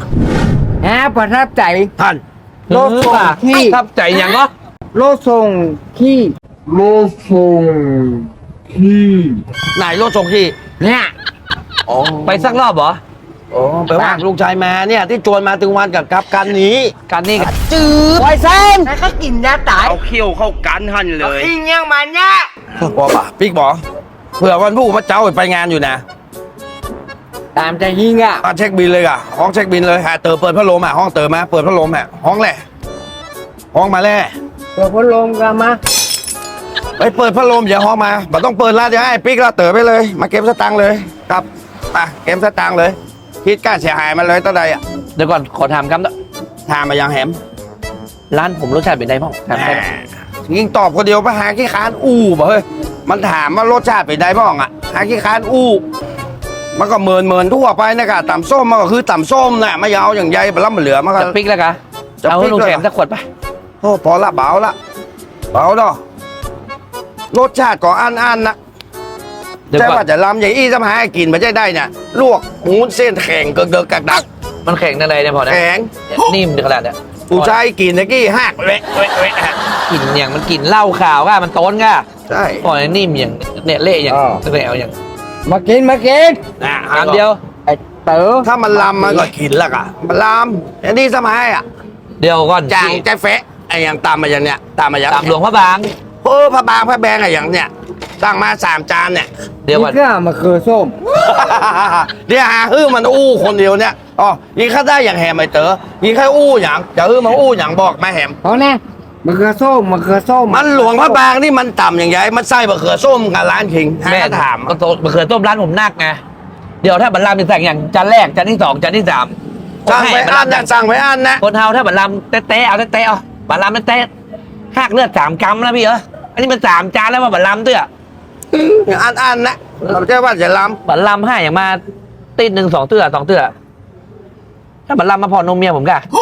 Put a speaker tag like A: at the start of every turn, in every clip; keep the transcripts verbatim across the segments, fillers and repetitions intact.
A: ฮะประทับใจ
B: ท่าน
A: โลดส่งที่
C: ประทับใจอย่างก็
A: โลดส่งที่
D: โลดส่งที่
B: ไหนรถส่งที่
A: เนี่ย
B: อ๋อ
C: ไปสักรอบเหรอ
B: โอ้ไปว่าลูกชายมาเนี่ยที่จวนมาถึงวันกับกับกันนี้
C: การนี่กัน
B: จืด
A: ไวเซนแล้วก็กินยาตาย
B: เอาเขี้ยวเข้ากันหันเลย
A: อิงยังมันเนี่ย
B: บอกป่ะปิ๊กบอกเผื่อวันผู้มาเจ้าไปงานอยู่นะ
A: ตามใจยิงอ่ะ
B: มาเช็คบินเลยอ่ะห้องเช็คบินเลยฮะเติมเปิดพัดลมอ่ะห้องเติมมาเปิดพัดลมอ่ะห้องแหละห้องมาแล่
A: ตัวพัดลมกันมา
B: ไปเปิดพัดลมอย่าห้องมาบ่ต้องเปิดละเดี๋ยวให้ปิ๊กละเติมไปเลย มาเก็บสตังค์เลยครับไปเก็บสตังค์เลยคิดค่าเสียหายมาเลยตั้งใดอ่ะ
C: เดี๋ยวก่อนขอถามคำต่อ
B: ถามมายังแหม
C: ร้านผมรสชาติเป็นไงบ้างถามได้ไหม
B: ยิงตอบคนเดียวไปหาขี้คานอู้บ่เฮ้ยมันถามว่ารสชาติเป็นไงบ้างอ่ะหาขี้คานอู้มันก็เมินเมินทั่วไปนะกะต่ำส้มมันก็คือต่ำส้มน่ะไม่ยาวอย่างใยบล้ำเหลือมันก็
C: จะปิ๊กแล้วกะ
B: จะ
C: เอา
B: ปิ๊ก
C: ลุง
B: ด้วย
C: แถ
B: เหรอ
C: มสักขวดไป
B: โอ้พอละเบาละเบาเนาะรสชาติก็อันอันๆนะ
C: เดี๋ยว
B: ใช่
C: ก่อ
B: ว่าน จะลำใหญ่อี้สมาให้กินไม่ใช่ได้เนี่ยลวกหูเส้นแข็งเกิกเกิกกักดัก
C: มันแข็งในเนี่ยพอนะ
B: แข็ง
C: นิ่มขนาดเนี้ย
B: ผู้ชายกินตะกี้หักเละเละเละฮะ
C: กลิ่นอย่างมันกลิ่นเหล้าขาวก็มันต้นก็
B: ใช่
C: พอนิ่มอย่างเนี่ยเละอย่างเละเอาอย่าง
A: มากินมากิน
B: นะ
C: อันเดียว
A: ไอ้เต๋อ
B: ถ้ามันลำมันก็กินละกะมันลำอันนี้สมัยอ่ะ
C: เดียวก่อน
B: จางใจเฟะไอ้อย่างตามมาอย่างเนี้ยตามมาอย่าง
C: ตามหลวงพระบาง
B: เออพระบางพระแบงไอ้อย่างเนี้ยตั้งมาสามจานเนี่ย
C: เดี๋ยวก่อน
A: นี่ก็มาคือส้ม
B: เดี๋ยวหาฮื้อมันอู้คนเดียวเนี่ยอ๋อยิงข้าได้อย่างแหมไอ้เต๋อยิงแค่อู้อย่างจะฮื้อมาอู้อย่างบอกมาแหม
A: เพราะแน่มันคือส้มมันคือส้ม
B: มันหลวงพระบางนี่มันต่ำอย่างไรมันไส้บะเขือส้มกับร้านคิงหา
C: แม่
B: ก็ถาม
C: ก็โตมะเขือต้มร้านผมนักไงเดี๋ยวถ้าบัลลัมเป็นสั่งอย่างจานแรกจานที่สองจานที่สาม
B: สั่งไปอันนะสั่งไปอันนะ
C: คนเฮาถ้าบัลลัมเตะๆเอาเตะๆเอาบัลลัมเตะๆหักเลือดสามกรัมแล้วพี่เอออันนี้มันสามจานแล้วว่าบัลลัมเตื้อ
B: อันอันนะเราจะว่าจะล้
C: บัลลัมให้อย่างมาตีหนึ่งสองเตื้อสองเตื้อถ้าบัลลัมมาพอนมเมียผมกะ
B: ำ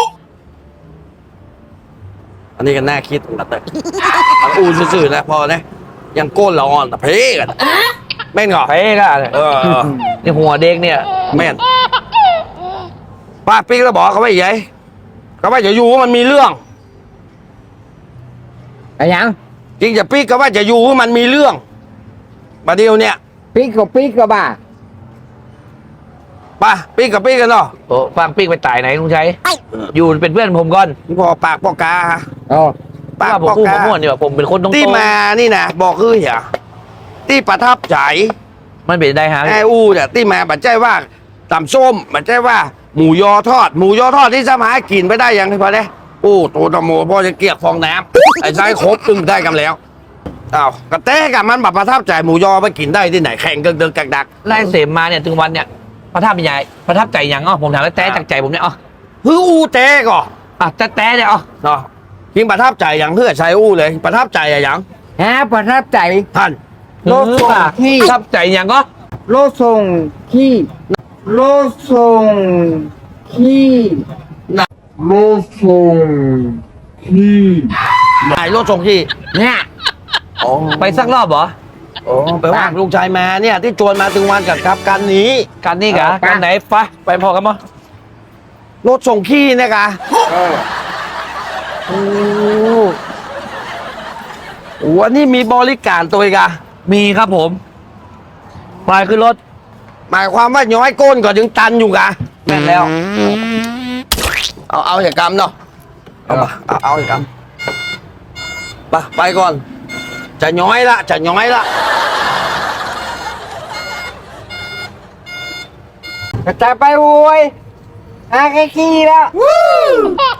B: อันนี้ก็น่าคิดนะเต๋อมันอู้ซื่อๆนะพอนะยังโก้นเราอ่อนแต่เพ่กันแม่นเหรอ
C: เพ่ก็
B: เออ
C: นี่หัวเด็กเนี่ย
B: แม่นป้าปิ๊กแล้วบอกเขาไว้ยัยเขาว่าจะอยู่มันมีเรื่อง
A: ไอ้ยัง
B: จริงจะปิ๊กก็ว่าจะอยู่มันมีเรื่องประเดี๋ยวเนี่ย
A: ปิ๊กกับปิ๊กกับบ้า
B: ป้าปิ๊กกับปิ๊กกันเนาะ
C: โอ้ฟังปิ๊กไปตายไหนลุงชัยอยู่เป็นเพื่อนผมก่อน
B: พอปากปอกกาฮะ
A: อ๋อ
C: เพราะ
B: ปาก
C: ว่าผม
B: ปอก
C: พูด
B: กา
C: ผมม่วนดีกว่าผมเป็นคนตรงๆ
B: ที่มานี่นะบอกคือเหียที่ประทับใจ
C: มันเป็นได้ฮะ
B: ไอ้อูเนี่ยที่มาบัดใจว่าตำส้มบัดใจว่า หมูยอทอด หมูยอทอดที่สมากินไปได้ยังไงพอเนี่ยโอ้ตัวตะโมพ่อจะเกลียกฟองน้ำไอ้ได้ครบตึงได้กันแล้วอ้าวกระแตกับมันแบบประทับใจหมูยอไปกินได้ที่ไหนแข่งเกินเดินกักดัก
C: ไล่เสมมาเนี่ยถึงวันเนี่ยประทับใจประทับใจยังอ๋อผมถามแล้วแต่จากใจผมเนี่ยอ๋อ
B: ฮืออูเตก่อ
C: อ่ะแต่แต่เนี่ยอ๋อ
B: เนาะยิงประทับใจอย่างเพื่อใช้อู้เลย ประทับใจอะอย่าง
A: ฮะประทับใจ
B: ท่าน
A: โลดส่งที่
C: ประทับใจยังก็
A: โลดส่งที่โลดส่งที่
D: โลดส่งที่
B: นายรถส่งที่
A: เนี่ย
B: อ๋อ
C: ไปสักรอบเหรอ
B: โอ้ไปว่าลูกชายมาเนี่ยที่จวนมาถึงวันกับกับกันนี้
C: การนี่กะการไหนไปไปพอกันมั้ง
B: รถส่งขี้เนะกะ
A: เออ
B: โอ้โหอันนี้มีบริการตัวอีกอะ
C: มีครับผมไปขึ้นรถ
B: หมายความว่าย้อยก้นก่อนถึงตันอยู่กะ
C: แม่นแล้ว
B: เอาเอาอย่างกรรมเนาะเอามาเอาเอาอย่างกรรมไปไปก่อน จะย้อยละจะย้อยละ
A: กระจายไปโวยอาแค่ขี้แล้ว